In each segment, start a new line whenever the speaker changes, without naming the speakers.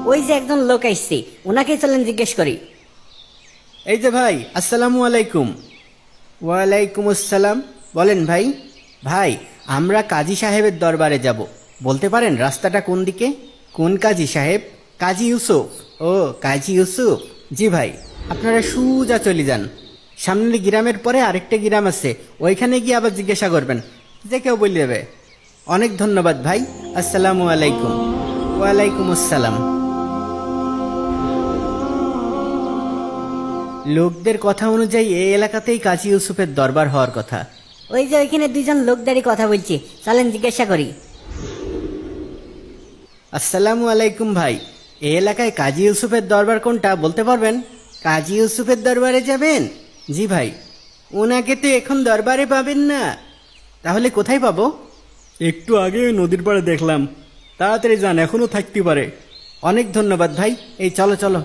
ওই যে একজন লোক আসছে, ওনাকে চলেন জিজ্ঞেস করি।
এই যে ভাই, আসসালামু আলাইকুম। ওয়ালাইকুম আসসালাম। বলেন ভাই। ভাই, আমরা কাজী সাহেবের দরবারে যাব, বলতে পারেন রাস্তাটা কোন দিকে? কোন কাজী সাহেব? কাজী ইউসুফ। ও, কাজী ইউসুফ। জি ভাই, আপনারা সোজা চলে যান। সামনের গ্রামের পরে আরেকটা গ্রাম আছে, ওইখানে গিয়ে আবার জিজ্ঞাসা করবেন, যে কেউ বলে দেবে। অনেক ধন্যবাদ ভাই। আসসালামু আলাইকুম। ওয়ালাইকুম আসসালাম। লোকদের কথা অনুযায়ী এই এলাকাতেই কাজী ইউসুফের দরবার হওয়ার কথা।
ওই যে ওইখানে দুইজন লোক দাঁড়িয়ে কথা বলছে, চলেন জিজ্ঞাসা করি।
আসসালামু আলাইকুম ভাই, এই এলাকায় কাজী ইউসুফের দরবার কোনটা বলতে পারবেন? কাজী ইউসুফের দরবারে যাবেন? জি ভাই। ওনাকে তো এখন দরবারে পাবেন না, তাহলে কোথায় পাবো? একটু আগে ওই নদীর পাড়ে দেখলাম, তাড়াতাড়ি যান, এখনো থাকতে পারে। অনেক ধন্যবাদ ভাই। এই চলো চলো।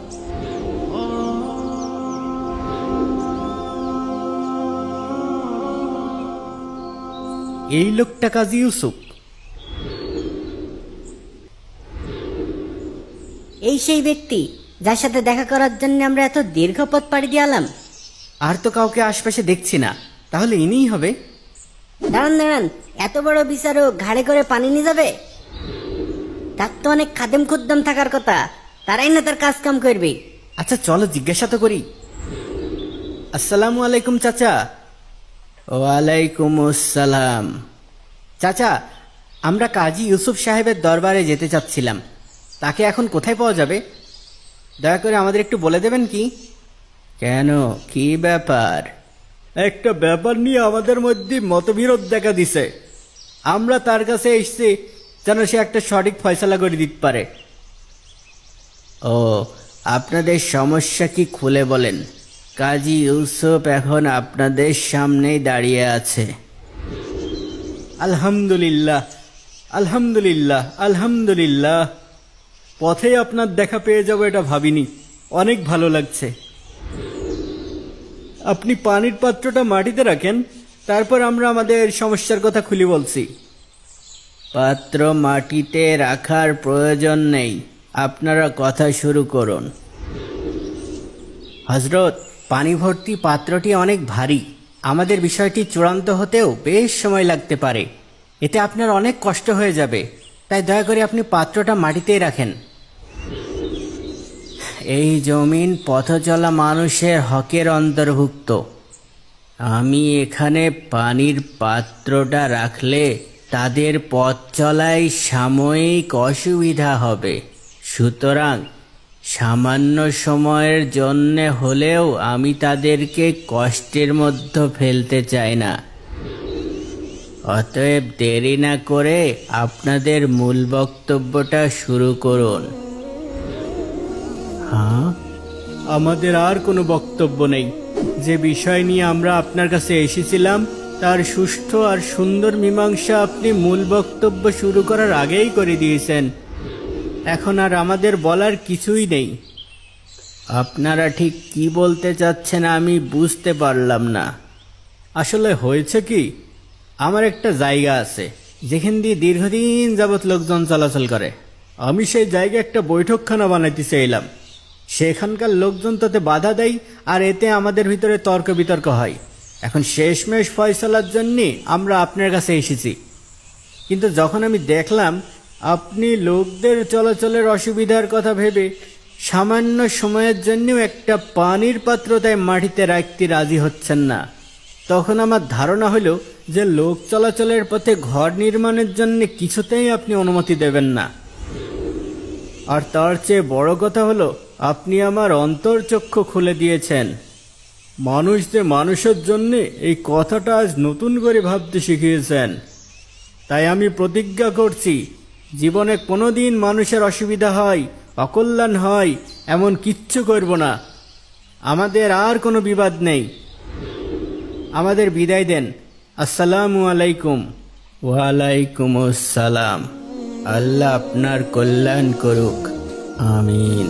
এই লোকটা কাজী ইউসুফ।
এই সেই ব্যক্তি যার সাথে দেখা করার জন্য আমরা এত দীর্ঘ পথ পাড়ি দিয়ালাম।
আর তো কাউকে আশপাশে দেখছি না, তাহলে ইনিই হবে।
দাঁড়ান দাঁড়ান, এত বড় বিচারক ঘাড়ে করে পানি নিয়ে যাবে? তার তো অনেক খাদেম খুদ্দম থাকার কথা, তারাই না তার কাজ কাম করবে।
আচ্ছা চলো জিজ্ঞাসা তো করি। আসসালামু আলাইকুম চাচা। ওয়ালাইকুম আসসালাম। চাচা, আমরা কাজী ইউসুফ সাহেবের দরবারে যেতে চাচ্ছিলাম, তাকে এখন কোথায় পাওয়া যাবে? দয়া করে আমাদের একটু বলে দেবেন কি? কেন, কি ব্যাপার? একটা ব্যাপার নিয়ে আমাদের মধ্যে মতবিরোধ দেখা দিছে। আমরা তার কাছে এসেছি যেন সে একটা সঠিক ফয়সালা করে দিতে পারে। ও, আপনাদের সমস্যা কি খুলে বলেন। কাজী ইউসুফ এখন আপনাদের সামনেই দাঁড়িয়ে আছে। আলহামদুলিল্লাহ, আলহামদুলিল্লাহ, আলহামদুলিল্লাহ। পথেই আপনার দেখা পেয়ে যাব এটা ভাবিনি, অনেক ভালো লাগছে। আপনি পানির পাত্রটা মাটিতে রাখেন, তারপর আমরা আমাদের সমস্যার কথা খুলে বলছি। পাত্র মাটিতে রাখার প্রয়োজন নেই, আপনারা কথা শুরু করুন। হযরত, পানি ভর্তি পাত্রটি অনেক ভারী, আমাদের বিষয়টি চূড়ান্ত হতেও বেশ সময় লাগতে পারে। এতে আপনার অনেক কষ্ট হয়ে যাবে, তাই দয়া করে আপনি পাত্রটা মাটিতেই রাখেন। এই জমিন পথচলা মানুষের হকের অন্তর্ভুক্ত। আমি এখানে পানির পাত্রটা রাখলে তাদের পথ চলায় সাময়িক অসুবিধা হবে, সুতরাং সামান্য সময়ের জন্যে হলেও আমি তাদেরকে কষ্টের মধ্যে ফেলতে চাই না। অতএব দেরি না করে আপনাদের মূল বক্তব্যটা শুরু করুন। হ্যাঁ, আমাদের আর কোনো বক্তব্য নেই। যে বিষয় নিয়ে আমরা আপনার কাছে এসেছিলাম তার সুষ্ঠু আর সুন্দর মীমাংসা আপনি মূল বক্তব্য শুরু করার আগেই করে দিয়েছেন। এখন আর আমাদের বলার কিছুই নেই। আপনারা ঠিক কি বলতে চাচ্ছেন আমি বুঝতে পারলাম না। আসলে হয়েছে কি, আমার একটা জায়গা আছে যেখান দিয়ে দীর্ঘদিন যাবৎ লোকজন চলাচল করে। আমি সেই জায়গায় একটা বৈঠকখানা বানাইতে চাইলাম। সেখানকার লোকজন তাতে বাধা দেয়, আর এতে আমাদের ভিতরে তর্ক বিতর্ক হয়। এখন শেষমেশ ফয়সালার জন্যে আমরা আপনার কাছে এসেছি। কিন্তু যখন আমি দেখলাম আপনি লোকদের চলাচলের অসুবিধার কথা ভেবে সামান্য সময়ের জন্যও একটা পানির পাত্র তাই মাটিতে রাখতে রাজি হচ্ছেন না, তখন আমার ধারণা হলো যে লোক চলাচলের পথে ঘর নির্মাণের জন্য কিছুতেই আপনি অনুমতি দেবেন না। আর তার চেয়ে বড় কথা হলো, আপনি আমার অন্তর্চক্ষু খুলে দিয়েছেন। মানুষ যে মানুষের জন্যে, এই কথাটা আজ নতুন করে ভাবতে শিখিয়েছেন। তাই আমি প্রতিজ্ঞা করছি, জীবনে কোনোদিন মানুষের অসুবিধা হয়, অকল্যাণ হয় এমন কিচ্ছু করব না। আমাদের আর কোনো বিবাদ নেই। আমাদের বিদায় দেন। আসসালামু আলাইকুম। ওয়ালাইকুম আসসালাম। আল্লাহ আপনার কল্যাণ করুক, আমিন।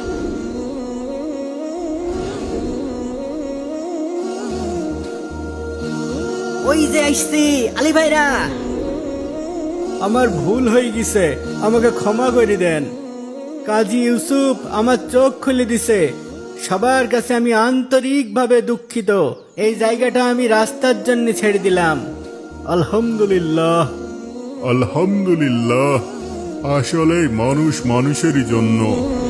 ওই যে আসছে আলী ভাইরা।
আমার ভুল হয়ে গেছে, আমাকে ক্ষমা করে দেন। কাজী ইউসুফ আমার চোখ খুলে দিছে। সবার কাছে আমি আন্তরিকভাবে দুঃখিত। এই জায়গাটা আমি রাস্তার জন্য ছেড়ে দিলাম। আলহামদুলিল্লাহ।
আলহামদুলিল্লাহ, আসলে মানুষ মানুষেরই জন্য